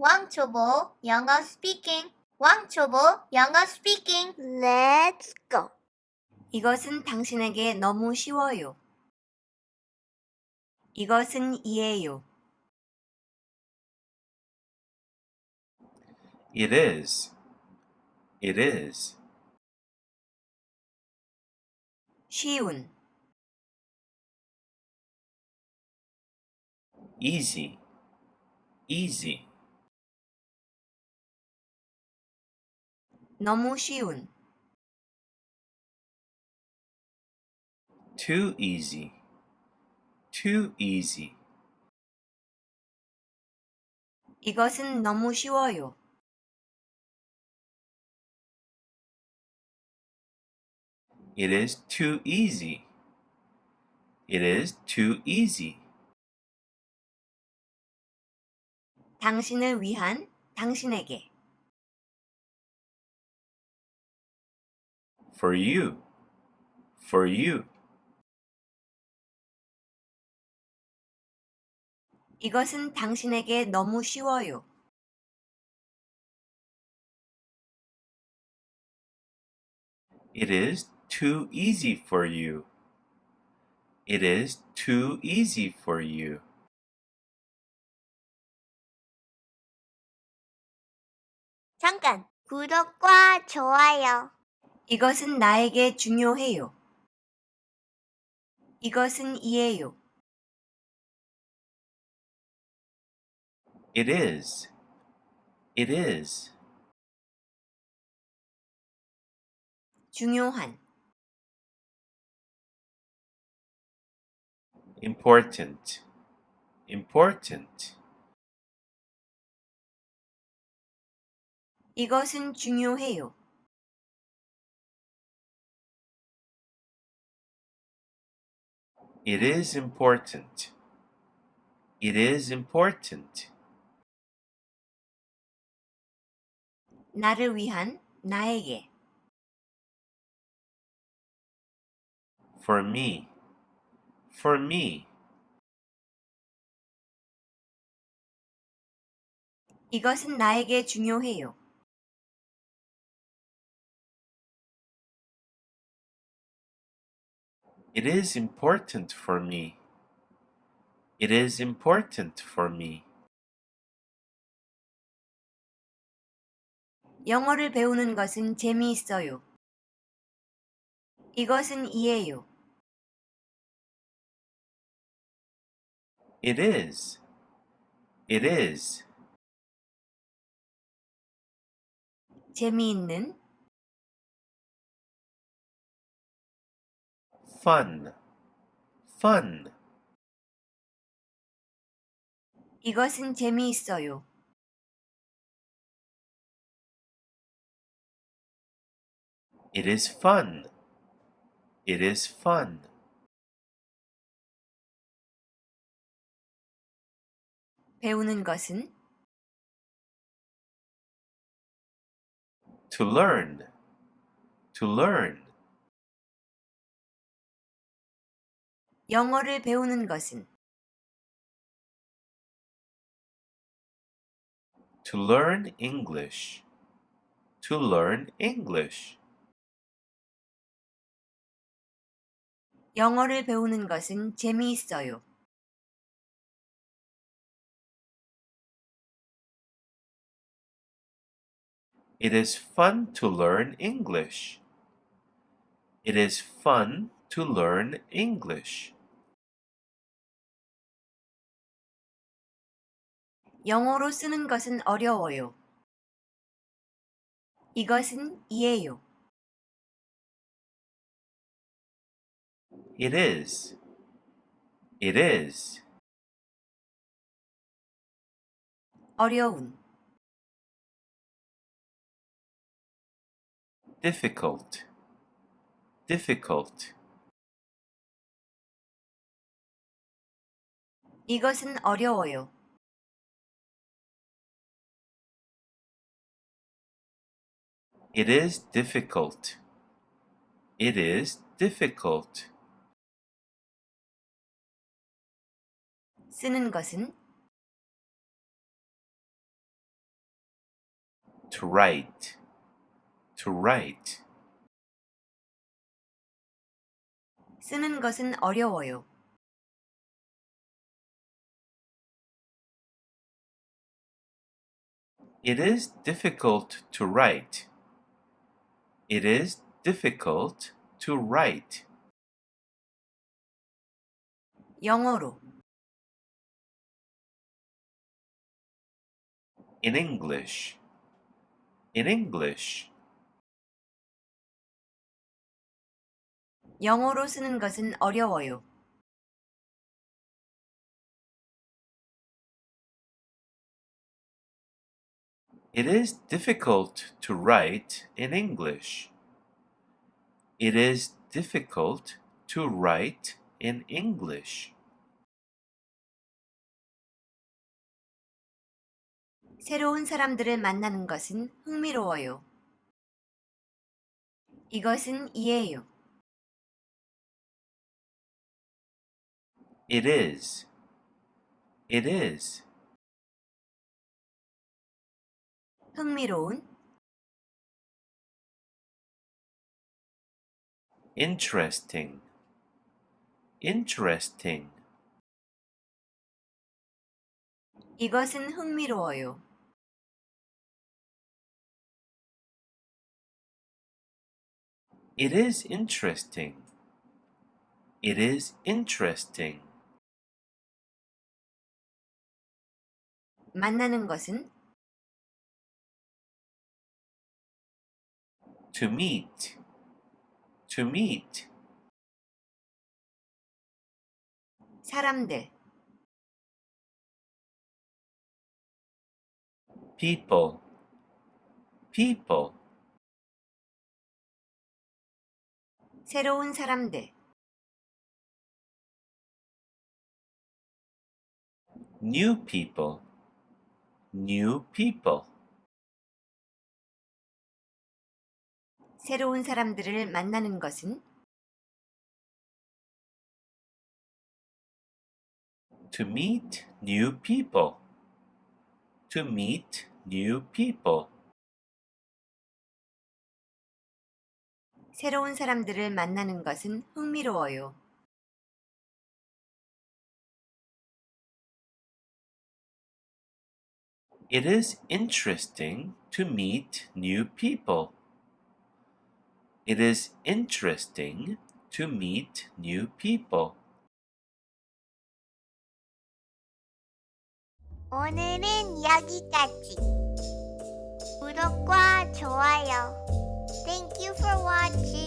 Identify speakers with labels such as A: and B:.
A: 왕초보 영어 스피킹. 왕초보 영어 스피킹.
B: Let's go.
C: 이것은 당신에게 너무 쉬워요. 이것은 이에요.
D: It is. It is.
C: 쉬운,
D: Easy. Easy.
C: 너무 쉬운,
D: Too easy. Too easy.
C: 이것은 너무 쉬워요.
D: It is too easy. It is too easy.
C: 당신을 위한 당신에게.
D: For you. For you.
C: 이것은 당신에게 너무 쉬워요.
D: It is too easy for you. It is too easy for you.
B: 잠깐. 구독과 좋아요.
C: 이것은 나에게 중요해요. 이것은 이에요.
D: It is. It is.
C: 중요한,
D: Important. Important.
C: 이것은 중요해요.
D: It is important. It is important.
C: 나를 위한 나에게.
D: For me. For me.
C: 이것은 나에게 중요해요.
D: It is important for me. It is important for me.
C: 영어를 배우는 것은 재미있어요. 이것은 이에요.
D: It is. It is.
C: 재미있는,
D: Fun. Fun.
C: 이것은 재미있어요.
D: It is fun. It is fun.
C: 배우는 것은
D: To learn. To learn.
C: 영어를 배우는 것은
D: To learn English. To learn English.
C: 영어를 배우는 것은 재미있어요.
D: It is fun to learn English. It is fun to learn English.
C: 영어로 쓰는 것은 어려워요. 이것은 이에요.
D: It is. It is.
C: 어려운,
D: Difficult. Difficult.
C: 이것은 어려워요.
D: It is difficult. It is difficult.
C: 쓰는 것은
D: To write. To write.
C: 쓰는 것은 어려워요.
D: It is difficult to write. It is difficult to write.
C: 영어로.
D: In English. In English.
C: 영어로 쓰는 것은 어려워요.
D: It is difficult to write in English. It is difficult to write in English.
C: 새로운 사람들을 만나는 것은 흥미로워요. 이것은 이해요.
D: It is. It is.
C: 흥미로운,
D: Interesting. Interesting.
C: 이것은 흥미로워요.
D: It is interesting. It is interesting.
C: 만나는 것은
D: To meet. To meet.
C: 사람들,
D: People. People.
C: 새로운 사람들,
D: New people. New people.
C: 새로운 사람들을 만나는 것은
D: To meet new people. To meet new people.
C: 새로운 사람들을 만나는 것은 흥미로워요.
D: It is interesting to meet new people. It is interesting to meet new people.
B: 오늘은 여기까지. 구독과 좋아요. Thank you for watching.